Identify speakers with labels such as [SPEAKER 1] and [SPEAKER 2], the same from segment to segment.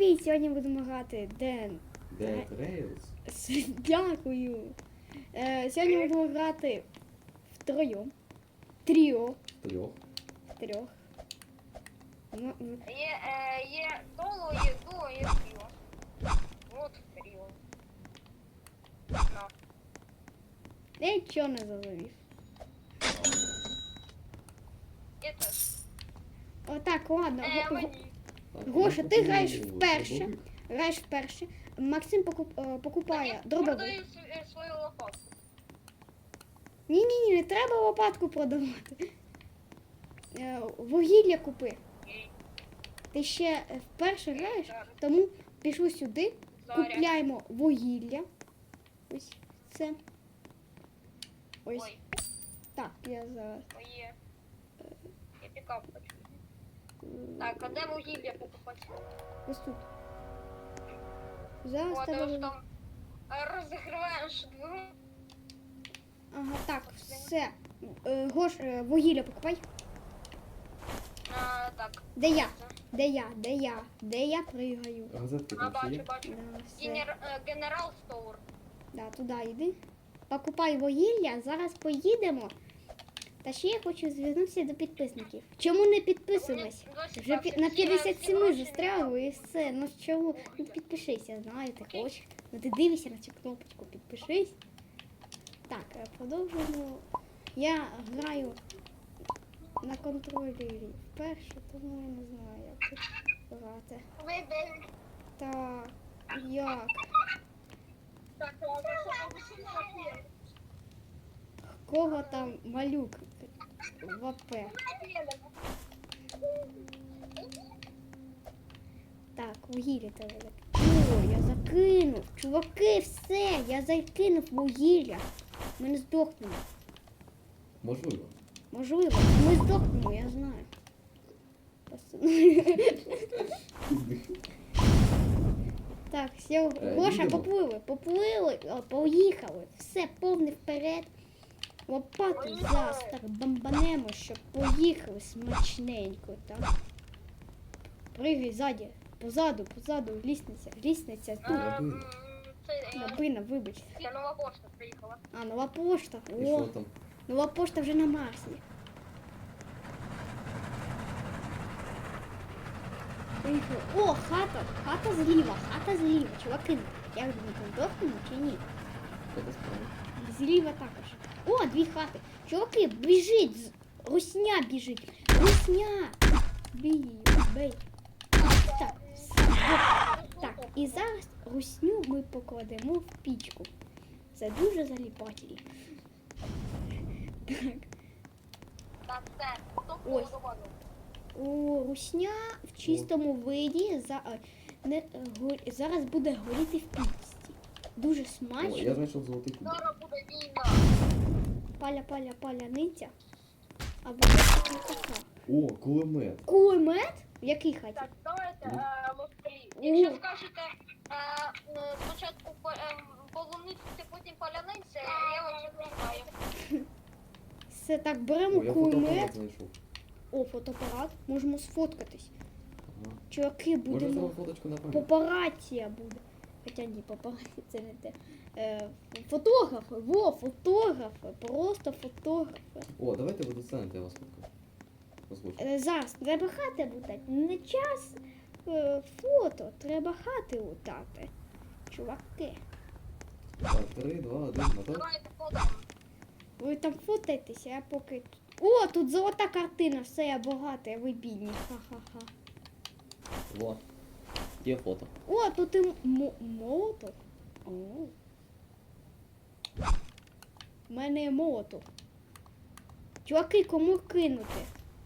[SPEAKER 1] Привіт! Сьогодні будемо грати Dead
[SPEAKER 2] Rails.
[SPEAKER 1] Дякую. Сьогодні будемо грати втроєм. Тріо. Трьох. Ну,
[SPEAKER 3] Є соло, є дуо, є тріо. Вот тріо. На.
[SPEAKER 1] я нічого не зрозумів.
[SPEAKER 3] Я теж.
[SPEAKER 1] Отак, ладно.
[SPEAKER 3] Мені.
[SPEAKER 1] Гоша, ти граєш вперше. Граєш вперше. Максим покупає дробовик.
[SPEAKER 3] Продаю свою лопатку.
[SPEAKER 1] Ні, не треба лопатку продавати. Вугілля купи. Ти ще вперше граєш, тому пішли сюди, купляємо вугілля. Ось це. Ось.
[SPEAKER 3] Ой,
[SPEAKER 1] Так, я зараз.
[SPEAKER 3] моє. Я пікап хочу. Так, а де вугілля покупати?
[SPEAKER 1] Ось тут. Зараз
[SPEAKER 3] О,
[SPEAKER 1] тебе...
[SPEAKER 3] ти ж там розігріваєш двигун.
[SPEAKER 1] Ага, так, все. Гош, вугілля покупай.
[SPEAKER 3] Так.
[SPEAKER 1] Де я? Де я пригаю?
[SPEAKER 2] Газетки там ще є?
[SPEAKER 3] Бачу.
[SPEAKER 1] Да, все.
[SPEAKER 3] Генерал Стоур.
[SPEAKER 1] Да, туди йди. Покупай вугілля, зараз поїдемо. Та ще я хочу звернутися до підписників. Чому не підписуємось? Вже на 57 застрягли і все. Ну чому? Ну підпишися, знаю, ти хочеш. Ну ти дивишся на цю кнопочку, підпишись. Так, продовжуємо. Я граю на контролері вперше, тому я не знаю, як тут грати. Так, як? Кого там малюк в АП? Так, вугілля треба закинути. О, я закинув. Чуваки, все, я закинув вугілля. Ми не здохнемо.
[SPEAKER 2] Можливо.
[SPEAKER 1] Можливо, ми здохнемо, я знаю. Так, все, Гоша,
[SPEAKER 2] їдемо.
[SPEAKER 1] поплили, поїхали. Все, повний вперед. Лопату зараз так бомбанемо, щоб поїхали смачненько, так? Пригай ззаді, позаду, лісниця тут. Набина, вибач.
[SPEAKER 3] Це нова пошта приїхала.
[SPEAKER 1] А, нова пошта.
[SPEAKER 2] І що
[SPEAKER 1] О,
[SPEAKER 2] там?
[SPEAKER 1] нова пошта вже на Марсі. Приїхали. О, хата зліва. Чуваки, як думаєте, здохнемо чи ні?
[SPEAKER 2] Це справа.
[SPEAKER 1] Зліва також. О, дві хати. Чуваки, біжить. Русня біжить. Русня. Бей. Так, все. Так, і зараз русню ми покладемо в пічку. Це дуже заліпательно. Так.
[SPEAKER 3] Так, все. Хто
[SPEAKER 1] Ось.
[SPEAKER 3] подобано?
[SPEAKER 1] О, русня в чистому виді зараз буде горіти в пічці. Дуже
[SPEAKER 2] О,
[SPEAKER 1] смачно.
[SPEAKER 2] я знайшов золотий кубик.
[SPEAKER 3] Зараз буде війна.
[SPEAKER 1] Паляниця. Або така.
[SPEAKER 2] О, кулемет.
[SPEAKER 1] Кулемет? В якій хаті?
[SPEAKER 3] Так, давайте москалі.
[SPEAKER 1] О.
[SPEAKER 3] Якщо скажете спочатку полуниця, потім паляниця, я вам запитаю.
[SPEAKER 1] Все так, беремо
[SPEAKER 2] О, я фотоапарат
[SPEAKER 1] кулемет.
[SPEAKER 2] знайшов.
[SPEAKER 1] О, фотоапарат. Можемо сфоткатись.
[SPEAKER 2] Ага.
[SPEAKER 1] Чуваки,
[SPEAKER 2] Можна
[SPEAKER 1] будемо.
[SPEAKER 2] зробити фоточку на пам'ять?
[SPEAKER 1] Папараці буде. Хоча ні, папараці це не те. Фотографи, фотографи, просто фотографи.
[SPEAKER 2] О, давайте ви достанете, я вас фоткаю. Послухайте.
[SPEAKER 1] Зараз треба хати лутати. Не час фото, треба хати лутати. Чуваки,
[SPEAKER 2] Так, 3, 2, 1, мотор.
[SPEAKER 3] Давайте фото.
[SPEAKER 1] ви там фотайтеся, я поки... О, тут золота картина, все, я багата, ви бідні. Ха-ха-ха.
[SPEAKER 2] Во. Є фото.
[SPEAKER 1] О, тут і молоток. О. У мене є молоток. Чуваки, кому кинути?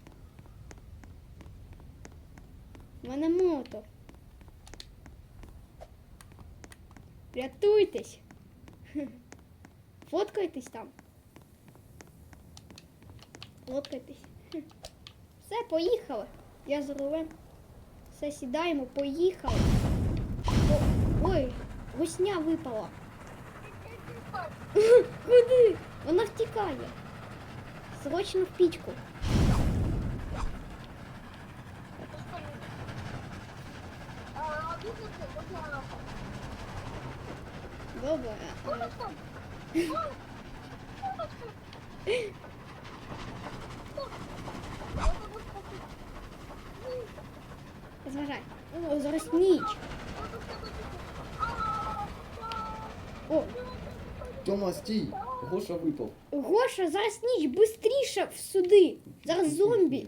[SPEAKER 1] У мене молоток. Рятуйтесь. Фоткайтесь там. Фоткайтесь. Все, поїхали. Я за рулем. Все, сідаємо, поїхали. Ой, гусня випала. Куди? Вона втікає. Срочно в пічку. Добре. Зважай. О, зараз ніч. О,
[SPEAKER 2] Тьома, стій! Гоша випав.
[SPEAKER 1] Гоша, зараз ніч, бистріше сюди. Зараз зомбі.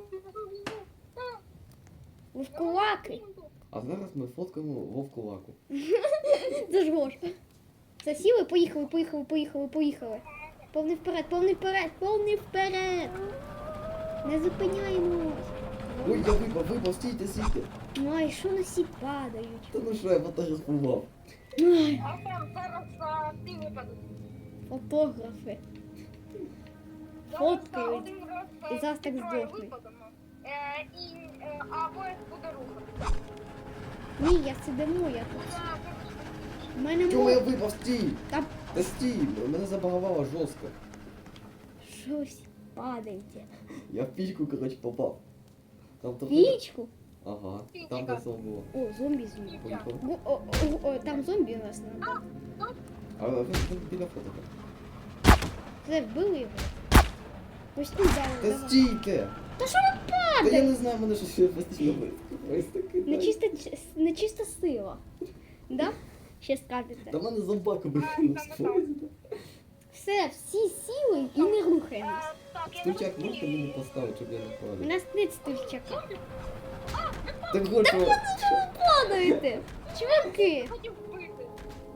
[SPEAKER 1] Вовкулаки.
[SPEAKER 2] А зараз ми фоткаємо вовкулаку.
[SPEAKER 1] Це ж Гоша. Засіли, поїхали, поїхали, поїхали, поїхали. Повний вперед, повний вперед, повний вперед. Не зупиняємось.
[SPEAKER 2] Ой, я випав, стійте, стійте.
[SPEAKER 1] Ай, що на всі падають.
[SPEAKER 2] Та ну що, я фотографував.
[SPEAKER 1] Ай,
[SPEAKER 3] А там зараз ти випадеш.
[SPEAKER 1] фотографи.
[SPEAKER 3] Зараз
[SPEAKER 1] Фоткають.
[SPEAKER 3] один раз,
[SPEAKER 1] І зараз так
[SPEAKER 3] ці троє
[SPEAKER 1] здохнуть.
[SPEAKER 3] випадемо. А поїзд буде рухати.
[SPEAKER 1] Ні, я сидимо, я тут. У мене
[SPEAKER 2] Тьома, я
[SPEAKER 1] мов...
[SPEAKER 2] випав, стій!
[SPEAKER 1] Там
[SPEAKER 2] Та стій, мене забагувало жорстко.
[SPEAKER 1] щось падаєте.
[SPEAKER 2] Я в пічку, коротше, попав. Там то...
[SPEAKER 1] Пічку?
[SPEAKER 2] Ага, там де сон було.
[SPEAKER 1] О, зомбі зомбі.
[SPEAKER 2] Поїхав.
[SPEAKER 1] Там зомбі у нас надо.
[SPEAKER 2] А він біля фото.
[SPEAKER 1] Це вбили його. Ось тут
[SPEAKER 2] Та
[SPEAKER 1] зараз.
[SPEAKER 2] стійте!
[SPEAKER 1] Та що ви
[SPEAKER 2] Та я
[SPEAKER 1] падаєте?
[SPEAKER 2] не знаю, мене щось постійно випав. Ось таки.
[SPEAKER 1] Нечиста сила. Да? Ще скажете.
[SPEAKER 2] Та мене зомбака викинув з поїзда.
[SPEAKER 1] Все, всі сіли і не рухаємось.
[SPEAKER 3] Так, я
[SPEAKER 2] Стульчак можете мені поставити, щоб я не
[SPEAKER 1] У
[SPEAKER 2] впадав?
[SPEAKER 1] нас нет стульчака.
[SPEAKER 2] Так Гоша,
[SPEAKER 1] Падаєте! Чуваки!
[SPEAKER 3] хотів вбити.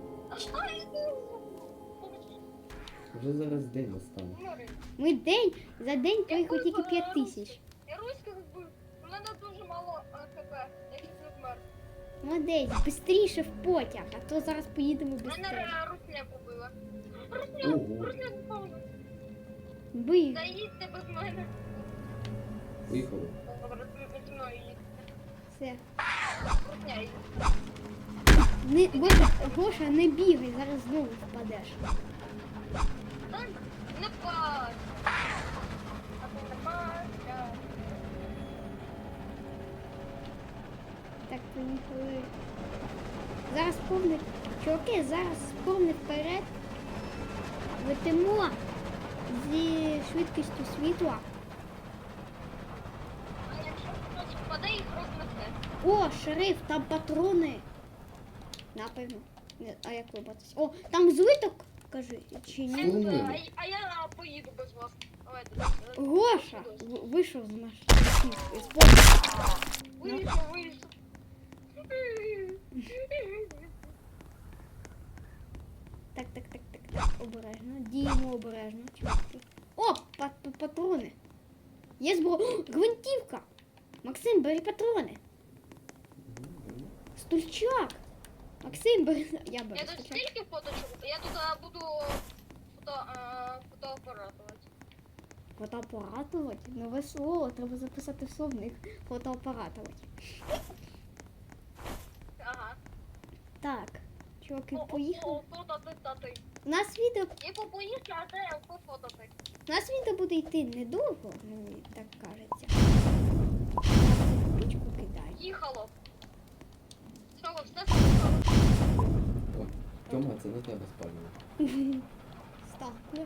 [SPEAKER 2] вже зараз день настане.
[SPEAKER 1] Ми за день проїхали тільки 5000.
[SPEAKER 3] Я руських вбив. У мене дуже мало ХП. Я чуть не вмер.
[SPEAKER 1] Молодець, бистріше в потяг, а то зараз поїдемо
[SPEAKER 3] Мене
[SPEAKER 1] бистріше.
[SPEAKER 3] русня побила. Русня,
[SPEAKER 2] Ого.
[SPEAKER 3] русня допоможе.
[SPEAKER 1] Бий.
[SPEAKER 3] Заїдьте без мене.
[SPEAKER 2] Поїхали.
[SPEAKER 3] Добре, зі мною їдьте.
[SPEAKER 1] Все.
[SPEAKER 3] Русня їдьте.
[SPEAKER 1] Гоша, не бігай, зараз знову впадеш.
[SPEAKER 3] Та не пас. А ти не пас.
[SPEAKER 1] Так, поїхали. Зараз повний. Чуваки, зараз повний вперед. Летимо зі швидкістю світла.
[SPEAKER 3] А якщо хтось впаде, їх рознесе.
[SPEAKER 1] О, шериф, там патрони. Напевно. А як вибратися? О, там злиток, кажи, чи ні?
[SPEAKER 2] Штурмуємо.
[SPEAKER 3] А я поїду без вас. Давайте.
[SPEAKER 1] Гоша вийшов з машини. З потяга.
[SPEAKER 3] Вийшов.
[SPEAKER 1] Так, обережно. Діємо обережно, чуваки. О, патрони. Є зброя. О, гвинтівка. Максим, бери патрони. Стульчак. Максим, бери. Я беру
[SPEAKER 3] Я тут
[SPEAKER 1] стульчак.
[SPEAKER 3] стільки фоточок, я тут буду фотоапаратувати.
[SPEAKER 1] Фотоапаратувати? Нове слово, треба записати в словник. Фотоапаратувати.
[SPEAKER 3] Ага.
[SPEAKER 1] Так, чуваки, поїхали.
[SPEAKER 3] Фототати.
[SPEAKER 1] У нас відео,
[SPEAKER 3] І попоїсти, а де пофотати.
[SPEAKER 1] у нас відео буде йти недовго, мені так кажеться. Пічку кидаю.
[SPEAKER 3] Їхало. Що ви все сказали?
[SPEAKER 2] О, Тьома, це на тебе спалює.
[SPEAKER 1] Ставлю.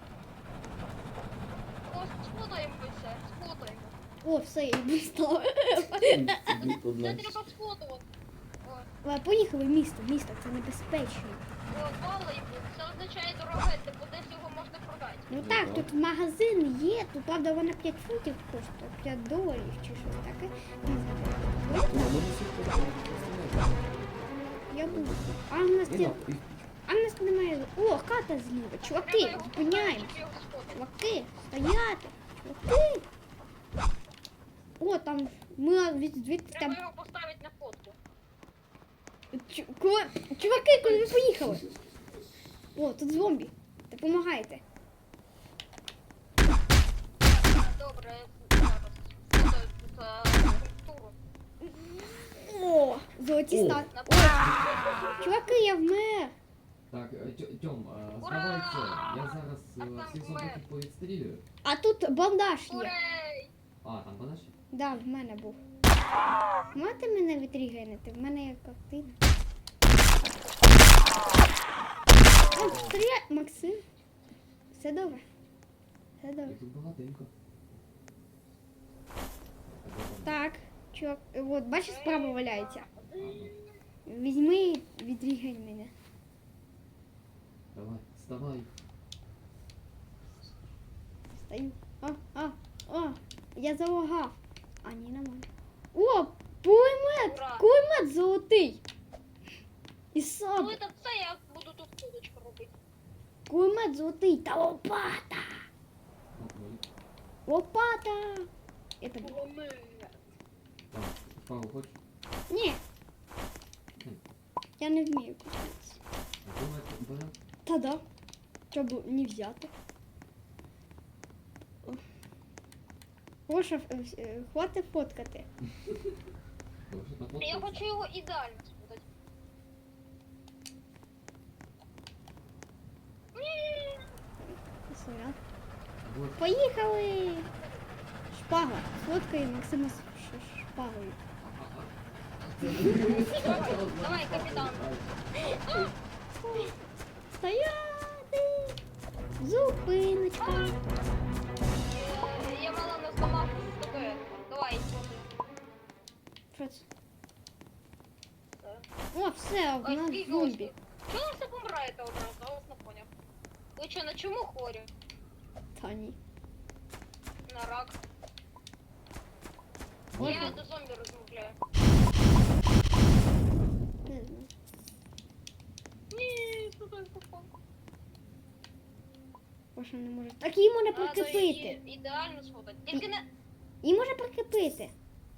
[SPEAKER 3] О, сфотаємо все, сфотаємо.
[SPEAKER 1] О, все, я дістала.
[SPEAKER 2] Сидить одна.
[SPEAKER 3] Це треба сфотувати.
[SPEAKER 1] Поїхали в місто, це небезпечно.
[SPEAKER 3] Палику, це означає дороге, типу десь його можна продати.
[SPEAKER 1] Ну
[SPEAKER 2] Ну
[SPEAKER 1] так,
[SPEAKER 2] так.
[SPEAKER 1] тут магазин є, тут правда вона 5 фунтів коштує, 5 доларів чи щось таке. Не знаю.
[SPEAKER 2] Тьома, може всіх поставити?
[SPEAKER 1] Я буду. А у нас
[SPEAKER 2] І
[SPEAKER 1] є.
[SPEAKER 2] на- і-
[SPEAKER 1] А в нас немає. О, хата зліва. Чуваки, зупиняємо. Чуваки, стояти. Чуваки. О, там ми звідти
[SPEAKER 3] Треба
[SPEAKER 1] там.
[SPEAKER 3] його поставити на фотку.
[SPEAKER 1] Чуваки, куди ви поїхали? О, тут зомбі. Допомагайте.
[SPEAKER 3] Добре, зараз. Фотою тут структуру.
[SPEAKER 1] О, золоті
[SPEAKER 2] О.
[SPEAKER 1] стати. Чуваки, я вмер.
[SPEAKER 4] Так, Тьом,
[SPEAKER 3] Ура!
[SPEAKER 4] здавай це. Я зараз
[SPEAKER 3] там
[SPEAKER 4] всіх
[SPEAKER 3] мер.
[SPEAKER 4] зомбаків повідстрілюю.
[SPEAKER 1] А тут бандаж є.
[SPEAKER 3] Урей!
[SPEAKER 4] А, там подаш?
[SPEAKER 1] Да, в мене був. Можете мене відрігенити? В мене є картина. О, стріляй, Максим. Все добре. Все добре.
[SPEAKER 4] Їх тут багатенько.
[SPEAKER 1] Так, чувак, от бачиш, справа валяється. Візьми і відрігань мене.
[SPEAKER 4] Давай, вставай.
[SPEAKER 1] Стою. О, я залагав. А, ні, нормально. О, пулемет!
[SPEAKER 3] Ура!
[SPEAKER 1] Кулемет золотий. І
[SPEAKER 3] Ну
[SPEAKER 1] саб.
[SPEAKER 3] це все, я буду тут кудочку робити.
[SPEAKER 1] Кулемет золотий та лопата.
[SPEAKER 4] Ой.
[SPEAKER 1] Лопата. Это було.
[SPEAKER 3] Кулемет.
[SPEAKER 4] Так, шпагу хочеш?
[SPEAKER 1] Ні. Я не вмію купитися.
[SPEAKER 4] А кулемет берем?
[SPEAKER 1] Та да. Щоб не взяти. Гоша, хватить фоткати.
[SPEAKER 4] Хорошо, так от.
[SPEAKER 3] Я хочу його ідеально спутати. Ні.
[SPEAKER 1] Сорян.
[SPEAKER 4] Вот.
[SPEAKER 1] Поїхали! Шпага. Сфоткай Максима з шпагою.
[SPEAKER 3] Давай, капітан.
[SPEAKER 1] Стояти! Зупиночка.
[SPEAKER 3] Я мала не зламав з тобою. Давай, спутай.
[SPEAKER 1] Що це? О, все, в
[SPEAKER 3] Ой,
[SPEAKER 1] нас
[SPEAKER 3] скільки
[SPEAKER 1] зомбі.
[SPEAKER 3] очки. Чого ви все помираєте одразу? Я вас не поняв. Ви що, на чому хворі?
[SPEAKER 1] Та ні.
[SPEAKER 3] На рак.
[SPEAKER 1] Ладно.
[SPEAKER 3] Я до зомбі розмовляю.
[SPEAKER 1] Не знаю.
[SPEAKER 3] Ні, сюди попав.
[SPEAKER 1] Гоша не може. Так її можна
[SPEAKER 3] Треба
[SPEAKER 1] прикріпити.
[SPEAKER 3] її ідеально сфотати. Тільки не...
[SPEAKER 1] Її можна прикріпити.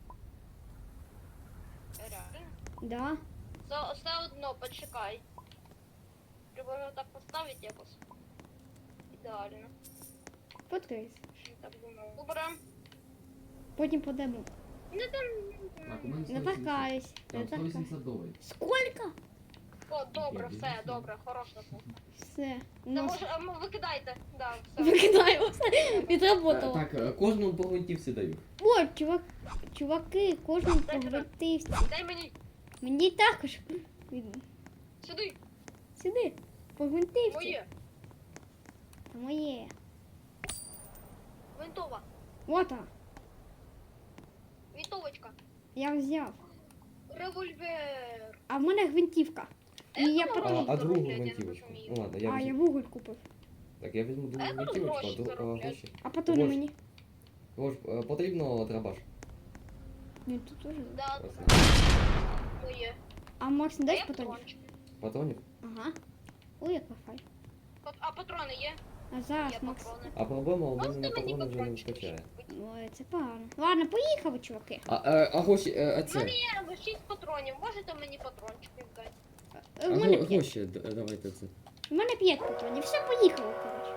[SPEAKER 3] Реально.
[SPEAKER 1] Да.
[SPEAKER 3] Все одно, почекай. Треба його так поставити якось. Ідеально.
[SPEAKER 1] Фоткайся.
[SPEAKER 3] Так думаю. Добре.
[SPEAKER 1] Потім подамо.
[SPEAKER 3] Не там...
[SPEAKER 4] Так, у мене
[SPEAKER 1] Не
[SPEAKER 4] 180.
[SPEAKER 1] торкаюсь. Не
[SPEAKER 4] Там
[SPEAKER 1] торкаюсь.
[SPEAKER 4] 180 доларів.
[SPEAKER 1] Сколько?
[SPEAKER 3] О, добре,
[SPEAKER 4] Окей,
[SPEAKER 3] все,
[SPEAKER 4] дивіться.
[SPEAKER 3] добре, хороша фото.
[SPEAKER 1] Все.
[SPEAKER 3] Та
[SPEAKER 1] Ну,
[SPEAKER 3] може, викидайте. Да, все.
[SPEAKER 1] викидаємо все. Відработало.
[SPEAKER 2] Так, кожному по гвинтівці даю.
[SPEAKER 1] О, чуваки, кожен
[SPEAKER 3] Дайте
[SPEAKER 1] погвертився.
[SPEAKER 3] Дай мені
[SPEAKER 1] Мені також.
[SPEAKER 3] сюди.
[SPEAKER 1] Сюди. Погвертився.
[SPEAKER 3] Моє.
[SPEAKER 1] Та моє.
[SPEAKER 3] Винтова.
[SPEAKER 1] Вот вона.
[SPEAKER 3] Вінтовочка.
[SPEAKER 1] Я взяв.
[SPEAKER 3] Револьвер.
[SPEAKER 1] А в мене гвинтівка. І я
[SPEAKER 3] А,
[SPEAKER 1] потім.
[SPEAKER 2] А другу
[SPEAKER 3] роблять, я не
[SPEAKER 2] гвинтівочку.
[SPEAKER 3] розумію.
[SPEAKER 2] Ну ладно, я
[SPEAKER 1] А, я
[SPEAKER 2] візьму.
[SPEAKER 1] вуголь купив.
[SPEAKER 2] Так, я візьму
[SPEAKER 3] А
[SPEAKER 2] другу
[SPEAKER 3] як тут
[SPEAKER 2] гвинтівочку,
[SPEAKER 3] гроші
[SPEAKER 2] а
[SPEAKER 3] зароблять?
[SPEAKER 2] гроші.
[SPEAKER 1] А патрони
[SPEAKER 2] Ось.
[SPEAKER 1] мені.
[SPEAKER 2] Ось, потрібно драбаш.
[SPEAKER 1] Ну тут теж.
[SPEAKER 3] Да,
[SPEAKER 2] Ось.
[SPEAKER 3] моє.
[SPEAKER 1] А Макс, не
[SPEAKER 3] А
[SPEAKER 1] дай
[SPEAKER 3] я
[SPEAKER 1] патронів?
[SPEAKER 3] патрончик.
[SPEAKER 2] Патронів?
[SPEAKER 1] Ага. Ой, як фай.
[SPEAKER 3] А патрони є?
[SPEAKER 1] А зараз
[SPEAKER 3] Є
[SPEAKER 1] Макс.
[SPEAKER 3] патрони.
[SPEAKER 2] А проблема, у мене
[SPEAKER 3] Можете
[SPEAKER 2] на
[SPEAKER 3] мені
[SPEAKER 2] патрони вже не
[SPEAKER 3] патрончики
[SPEAKER 2] вистачає.
[SPEAKER 3] купити?
[SPEAKER 1] Ой, це погано. Ладно, поїхали, чуваки.
[SPEAKER 2] А гроші,
[SPEAKER 3] У
[SPEAKER 2] це.
[SPEAKER 3] мене є 6 патронів. Можете мені патрончики дати?
[SPEAKER 1] У мене 5.
[SPEAKER 2] Гроші, давайте це.
[SPEAKER 1] У мене 5 патронів. Все, поїхали, коротше.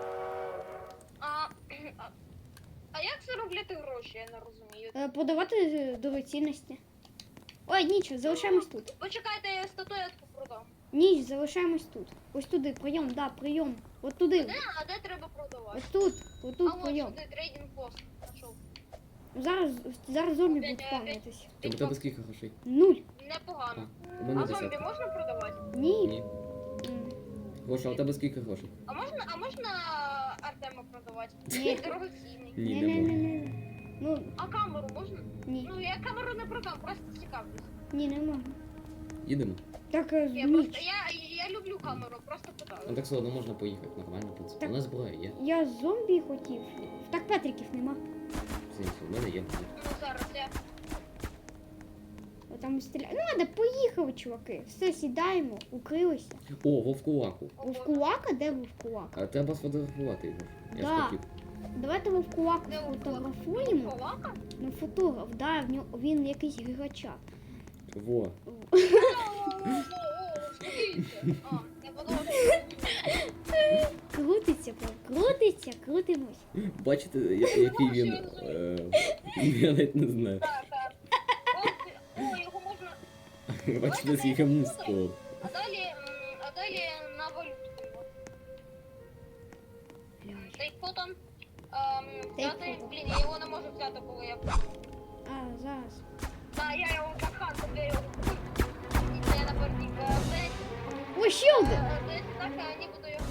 [SPEAKER 3] А як заробляти гроші, я не розумію.
[SPEAKER 1] Подавати дорогоцінності. Ой, нічого, залишаємось тут.
[SPEAKER 3] Почекайте, я статуетку продам.
[SPEAKER 1] Ніч, залишаємось тут. Ось туди, прийом, да, прийом. От туди.
[SPEAKER 3] А де треба продавати?
[SPEAKER 1] Ось тут,
[SPEAKER 3] А
[SPEAKER 1] отут
[SPEAKER 3] от
[SPEAKER 1] прийом.
[SPEAKER 3] сюди трейдинг пост. Нашов.
[SPEAKER 1] Зараз зомбі будуть спавнитись.
[SPEAKER 2] У тебе скільки грошей?
[SPEAKER 1] 0.
[SPEAKER 3] Непогано.
[SPEAKER 2] У мене
[SPEAKER 3] А зомбі
[SPEAKER 2] 10.
[SPEAKER 3] можна продавати?
[SPEAKER 1] Ні.
[SPEAKER 2] Ні. Гоша, а у тебе скільки грошей?
[SPEAKER 3] А можна Артема продавати?
[SPEAKER 1] Ні.
[SPEAKER 3] Дорогоцінний.
[SPEAKER 2] Ні, не можна.
[SPEAKER 1] Не. Ну,
[SPEAKER 3] А камеру можна?
[SPEAKER 1] ні.
[SPEAKER 3] Ну я камеру не продам, просто цікавлюсь.
[SPEAKER 1] Ні, не можна.
[SPEAKER 2] Їдемо.
[SPEAKER 1] Так,
[SPEAKER 3] Я просто
[SPEAKER 1] ніч.
[SPEAKER 3] я люблю камеру, просто
[SPEAKER 2] Ну
[SPEAKER 3] питаю.
[SPEAKER 2] так все одно можна поїхати, нормально, в принципі.
[SPEAKER 1] Так.
[SPEAKER 2] У нас зброя є.
[SPEAKER 1] Я зомбі хотів. Так Петриків нема.
[SPEAKER 2] В сенсі, у мене є.
[SPEAKER 3] Ну зараз я.
[SPEAKER 1] Там стріляють. Ну, ладно, поїхали, чуваки. Все, сідаємо, укрилися.
[SPEAKER 2] О, вовкулаку.
[SPEAKER 1] Вовкулака? Де вовкулак?
[SPEAKER 2] А треба сфотографувати його. Я
[SPEAKER 1] Да.
[SPEAKER 2] ж хотів.
[SPEAKER 1] Давайте вовкулаку
[SPEAKER 3] Де
[SPEAKER 1] сфотографуємо.
[SPEAKER 3] Ковака?
[SPEAKER 1] Ну, фотограф, да, він якийсь гігачат.
[SPEAKER 2] Во.
[SPEAKER 3] А, я подумала,
[SPEAKER 1] Крутиться, крутиться, крутимось.
[SPEAKER 2] Бачите, який він. Я навіть не знаю.
[SPEAKER 3] так. О, його можна.
[SPEAKER 2] Бачите, скільки муску.
[SPEAKER 3] А далі на валютку його. Take фото. Взяти.
[SPEAKER 1] фото.
[SPEAKER 3] Блін, я його не можу взяти, коли я.
[SPEAKER 1] А, зараз.
[SPEAKER 3] Та я його бахати, я його купив. І це на борті.
[SPEAKER 1] О, ще один!
[SPEAKER 3] Десь так, нібито його.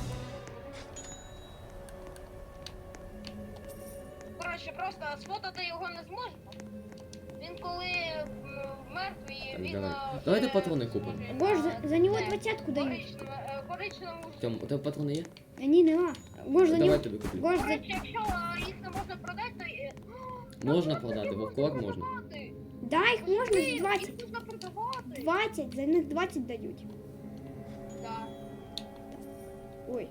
[SPEAKER 3] Коротше, просто сфотати його не зможемо. Він коли мертвий,
[SPEAKER 2] Так,
[SPEAKER 3] він...
[SPEAKER 2] давай.
[SPEAKER 3] вже
[SPEAKER 2] Давайте патрони купимо.
[SPEAKER 3] зможе,
[SPEAKER 1] Боже, за нього
[SPEAKER 3] це,
[SPEAKER 1] 20-ку дають.
[SPEAKER 3] коричневому
[SPEAKER 2] Тьом, у тебе патрони є?
[SPEAKER 1] Ні, нема. Боже, за
[SPEAKER 2] Давай
[SPEAKER 1] нього...
[SPEAKER 2] тобі куплю.
[SPEAKER 1] Боже, за...
[SPEAKER 3] Коротше, якщо їх не можна продати, то...
[SPEAKER 2] Можна продати, вовкулак можна.
[SPEAKER 1] Да, їх можна за 20.
[SPEAKER 3] Їх можна продавати.
[SPEAKER 1] 20, за них 20 дають.
[SPEAKER 3] Да.
[SPEAKER 1] Ой,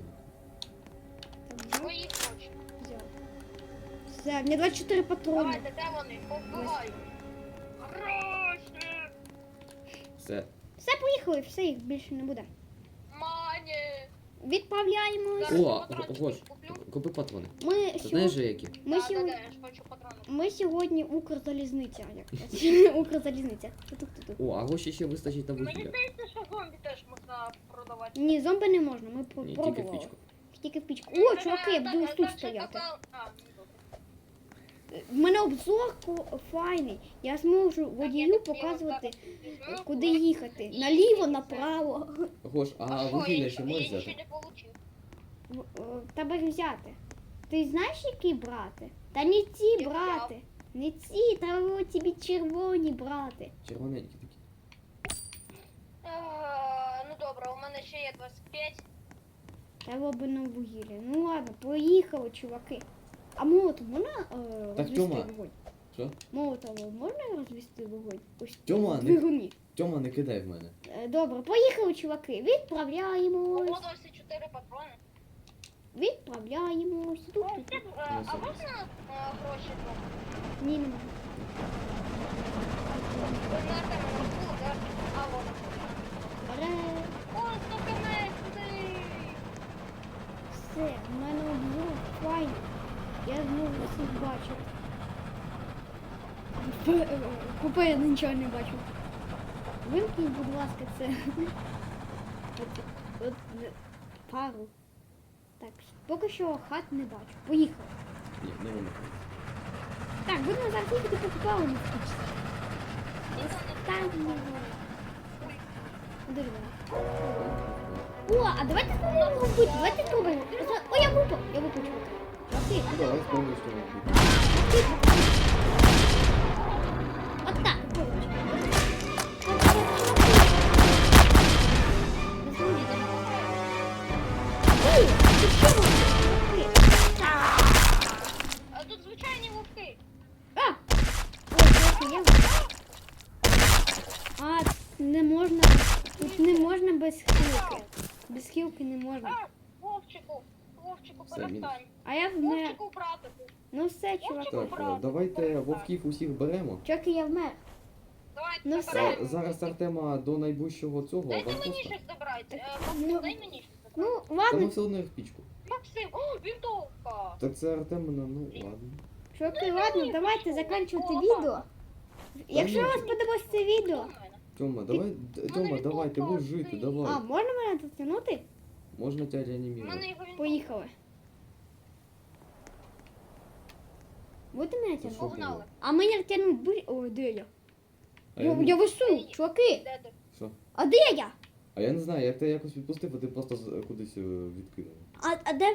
[SPEAKER 1] так, взяв,
[SPEAKER 3] Свої хоче.
[SPEAKER 1] взяв. Все, мені 24 патрони.
[SPEAKER 3] Давайте, де вони? Повбиваю. Гроші!
[SPEAKER 2] Все.
[SPEAKER 1] Все, поїхали, все, їх більше не буде.
[SPEAKER 3] Мані!
[SPEAKER 1] Відправляємось.
[SPEAKER 3] Зараз
[SPEAKER 2] О,
[SPEAKER 3] патрончики
[SPEAKER 2] Гош,
[SPEAKER 3] куплю.
[SPEAKER 2] купи патрони.
[SPEAKER 1] Ми
[SPEAKER 2] Ти знаєш
[SPEAKER 1] сьогодні...
[SPEAKER 2] же які?
[SPEAKER 1] Ми сьогодні...
[SPEAKER 3] Я ж хочу патрони.
[SPEAKER 1] Ми сьогодні Укрзалізниця. Як Укрзалізниця. Ту-ту-ту-ту.
[SPEAKER 2] О, а гроші ще вистачить на
[SPEAKER 3] Мені
[SPEAKER 2] вугілля.
[SPEAKER 3] здається, що зомбі теж можна продавати.
[SPEAKER 1] Ні, зомби не можна, ми
[SPEAKER 2] Ні, тільки в
[SPEAKER 1] пробували.
[SPEAKER 2] пічку.
[SPEAKER 1] Тільки в пічку. О, чуваки, я буду ось тут стояти. В мене обзор файний. Я зможу водію показувати, куди їхати. Наліво, направо.
[SPEAKER 2] Гош, а вугілля ще можеш взяти?
[SPEAKER 3] не получив.
[SPEAKER 1] Тебе ж взяти. Ти знаєш, які брати? Та не ці
[SPEAKER 3] Я
[SPEAKER 1] брати. Не ці, та о, тобі червоні брати.
[SPEAKER 2] Червоненькі такі.
[SPEAKER 3] Ну добре, у мене ще є 25.
[SPEAKER 1] Треба би на вугілля. Ну ладно, поїхали, чуваки. А молотом можна розвести
[SPEAKER 2] Тьома.
[SPEAKER 1] вогонь?
[SPEAKER 2] Що?
[SPEAKER 1] Молотом можна розвести вогонь? Ось
[SPEAKER 2] Тьома,
[SPEAKER 1] в
[SPEAKER 2] не,
[SPEAKER 1] двигуні.
[SPEAKER 2] Тьома, не кидай в мене.
[SPEAKER 1] Добре, поїхали, чуваки. Відправляємось.
[SPEAKER 3] Ого, 24 патрони.
[SPEAKER 1] Відправляємось. Тут,
[SPEAKER 3] О,
[SPEAKER 1] тут.
[SPEAKER 3] Степ, а можна гроші?
[SPEAKER 1] Ні, нема.
[SPEAKER 3] Ви на тебе не було, так? А, воно.
[SPEAKER 1] Ре.
[SPEAKER 3] О, 115!
[SPEAKER 1] Все, в мене обзор файний. Я зможу всіх бачити. Купи, я нічого не бачу. Вимкніть, будь ласка, це. От, пару. Так, поки що хат не бачу. Поїхали.
[SPEAKER 2] Ні, не воно.
[SPEAKER 1] Так, будемо зараз їхати покупали на стічці. Там не Куди ж вона? О, а давайте спробуємо робити. Давайте спробуємо. О, я випав, чуваки. Чуваки.
[SPEAKER 2] Ну, давай спробуй, що робити.
[SPEAKER 1] От так, поруч. Ой, ти що робиш?
[SPEAKER 3] А тут звичайні вовки.
[SPEAKER 1] А! Ой, трохи є. А, не можна. Тут не можна без хілки. Без хілки не можна.
[SPEAKER 3] А, Вовчику,
[SPEAKER 2] Все,
[SPEAKER 3] перестань.
[SPEAKER 1] А я вмер.
[SPEAKER 3] Вовчику, братику.
[SPEAKER 1] Ну все, чуваки.
[SPEAKER 2] Так, давайте вовків усіх беремо.
[SPEAKER 1] Чуваки, я вмер.
[SPEAKER 3] Давайте
[SPEAKER 1] Ну
[SPEAKER 3] забираємо.
[SPEAKER 2] Зараз Артема до найближчого цього
[SPEAKER 3] Дайте мені
[SPEAKER 2] аванпоста.
[SPEAKER 3] щось забрати.
[SPEAKER 1] Ну,
[SPEAKER 3] Максим, дай мені щось забрати.
[SPEAKER 1] Ну,
[SPEAKER 2] Та ми
[SPEAKER 1] ладно,
[SPEAKER 2] все одно їх в пічку.
[SPEAKER 3] Максим, о, вінтовка.
[SPEAKER 2] Так це Артемина, ну ладно.
[SPEAKER 1] чуваки, ладно, давайте закінчувати відео. Якщо вам сподобалось це відео,
[SPEAKER 2] Тьома, давай, Тьома, давай, ти будеш жити,
[SPEAKER 1] а
[SPEAKER 2] давай.
[SPEAKER 1] можна мене дотягнути?
[SPEAKER 2] Можна тебе
[SPEAKER 3] У мене
[SPEAKER 2] реанімувати.
[SPEAKER 3] його вінтовка.
[SPEAKER 1] Поїхали. Будете мене
[SPEAKER 2] Це
[SPEAKER 1] тягнути?
[SPEAKER 2] що
[SPEAKER 3] Погнали.
[SPEAKER 2] було?
[SPEAKER 1] А мене тягнуть будь... Ой, де я?
[SPEAKER 2] А
[SPEAKER 1] Я,
[SPEAKER 2] я,
[SPEAKER 1] я
[SPEAKER 2] не...
[SPEAKER 1] вису, чуваки.
[SPEAKER 3] Де ти?
[SPEAKER 2] Що?
[SPEAKER 1] А де я?
[SPEAKER 2] А я не знаю, як тебе якось відпустив, а ти просто кудись відкинув.
[SPEAKER 1] А де...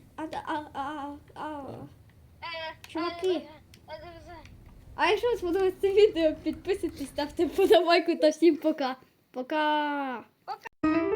[SPEAKER 1] Чуваки. А якщо вам сподобалось це відео, підписуйтесь, ставте подобайку та всім пока. Пока.